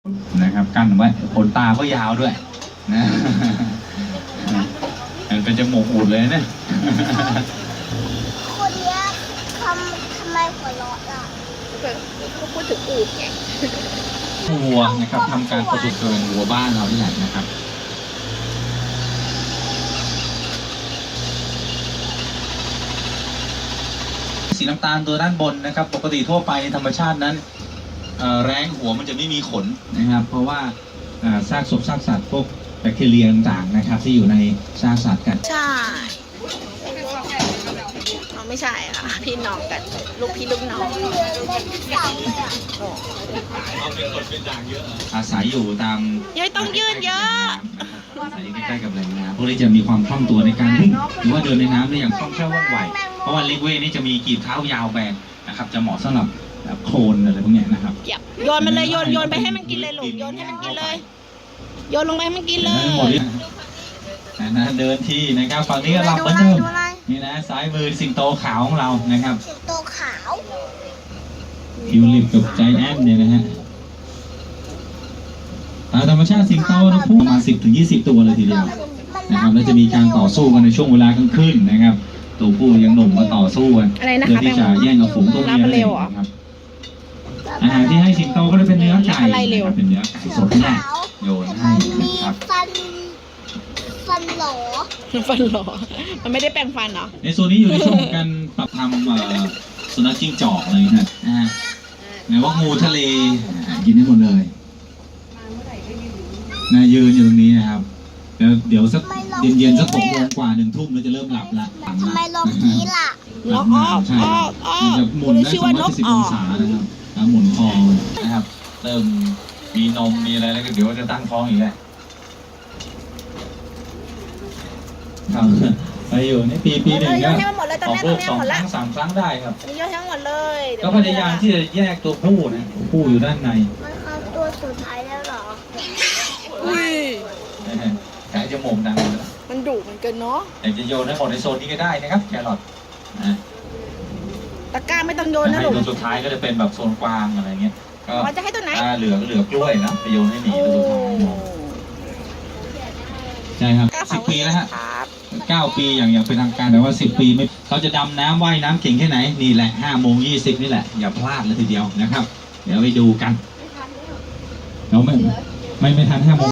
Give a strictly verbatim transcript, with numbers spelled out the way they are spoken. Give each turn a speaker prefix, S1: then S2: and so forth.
S1: นะครับกั้นไว้ขนตาก็ยาวด้วยนะมันเป็นจมูกอูดเลยเนี่ย
S2: คนเนี้ยทำทำไมหัวเราะล่ะ
S3: เขาพูดถึงอูดไง
S1: วัวนะครับทำการประจุเกินวัวบ้านเราที่ไหนนะครับสีน้ำตาลตัวด้านบนนะครับปกติทั่วไปธรรมชาตินั้นแร้งหัวมันจะไม่มีขนนะครับเพราะว่าซากศพซากสัตว์พวกแบคทีเรียต่างๆนะครับที่อยู่ในซากสัตว์กัน
S3: ใช่เราไม่ใช่ค่ะพี่น้องกันลูกพี่ลูกน้อง
S1: อาศัยอยู่ตาม
S3: ยังต้องยืนเยอะ
S1: อาศัยใกล้ๆกับแหล่งน้ำพวกนี้จะมีความคล่องตัวในการวิ่งหรือว่าเดินในน้ำได้อย่างคล่องแคล่วว่องไวเพราะว่าลิกเว่นี่จะมีกีบเท้ายาวแบนนะครับจะเหมาะสำหรับโคลนอะไรพวกนี้นะครับ
S3: โยนมันเลยโยนโยนไปให้มันกินเลยลูกโยนให้มันกินเลยโยนลงไปให้มันกินเลย
S1: นะเดินที่นะครับฝั่งนี้ก็หลับเหมือนเดิมนี่นะซ้ายมือสิงโตขาวของเรานะครับ
S2: สิงโตขาว
S1: ทิวลิปกับใจแอนเนี่ยนะฮะตามธรรมชาติสิงโตนะพูดประมาณสิบถึงยี่สิบตัวเลยทีเดียวนะครับแล้วจะมีการต่อสู้กันในช่วงเวลากลางคืนนะครับตัวผู้ยังหนุ่มมาต่อสู้กันเพื่อที่จะแย่งเอาฝูงตัวเมียเลยนะครับอาหารที่ให้สิงโตก็จะเป็นเนื้อไก่เป็นเนื้อไก่สดแน่โยนให้นะครับ
S2: ฟันฟันหลอ
S3: ฟันหลอมันไม่ได้แปรงฟันเหรอ
S1: ในโซนนี้อยู่ในช่วงการปรับทำสุนัขจิ้งจอกเลยนะนะฮะไหนว่างูทะเลกินได้หมดเลยนะยืนอยู่ตรงนี้นะครับเดี๋ยวเดี๋ยวสักเย็นๆสักหกโมงกว่าหนึ่งทุ่มเราจะเริ่มหลับละ
S2: ทำไมลองนี้ล่ะ
S3: นกออก
S1: ใช่มันจะหมุนได้สองร้อยสี่สิบองศานะครับแล้วหมุนคอนะครับเริ่มมีนมมีอะไรแล้วก็เดี๋ยวจะตั้งท้องอีกแล้วครับไปอยู่ในปีปีหนึ่งก็ออกลูกสองครั้งสามครั้งได้ครับ
S3: เยอะทั้งหมดเลย
S1: ก็พยายามที่จะแยกตัวผู้นะผู้อยู่ด้านใน
S2: มันเอาตัวสุดท้ายแล้วหรอ
S3: อุ้ย
S1: แกจะโมงดัง
S3: มันดุเหมือนกันเนาะ
S1: แต่จะโยนให้หมดในโซนนี้ก็ได้นะครับแครอทนะ
S3: ตะกร้าไม่ต้องโยนนะลูก
S1: ตัวสุดท้ายก็จะเป็นแบบโซนกวางอะไรเงี้ย
S3: ก็จะให้ตัวไหน
S1: เหลือเหลือกล้วยนะไปโยนให้หมีตัวสุดท้ายใช่ครับสิบปีแล้วฮะเก้าปีอย่างอย่างเป็นทางการแต่ว่าสิบปีไม่เขาจะดำน้ำว่ายน้ำเก่งแค่ไหนนี่แหละห้าโมงยี่สิบนี่แหละอย่าพลาดเลยทีเดียวนะครับเดี๋ยวไปดูกันเราไม่ไม่ไม่ทันห้าโมง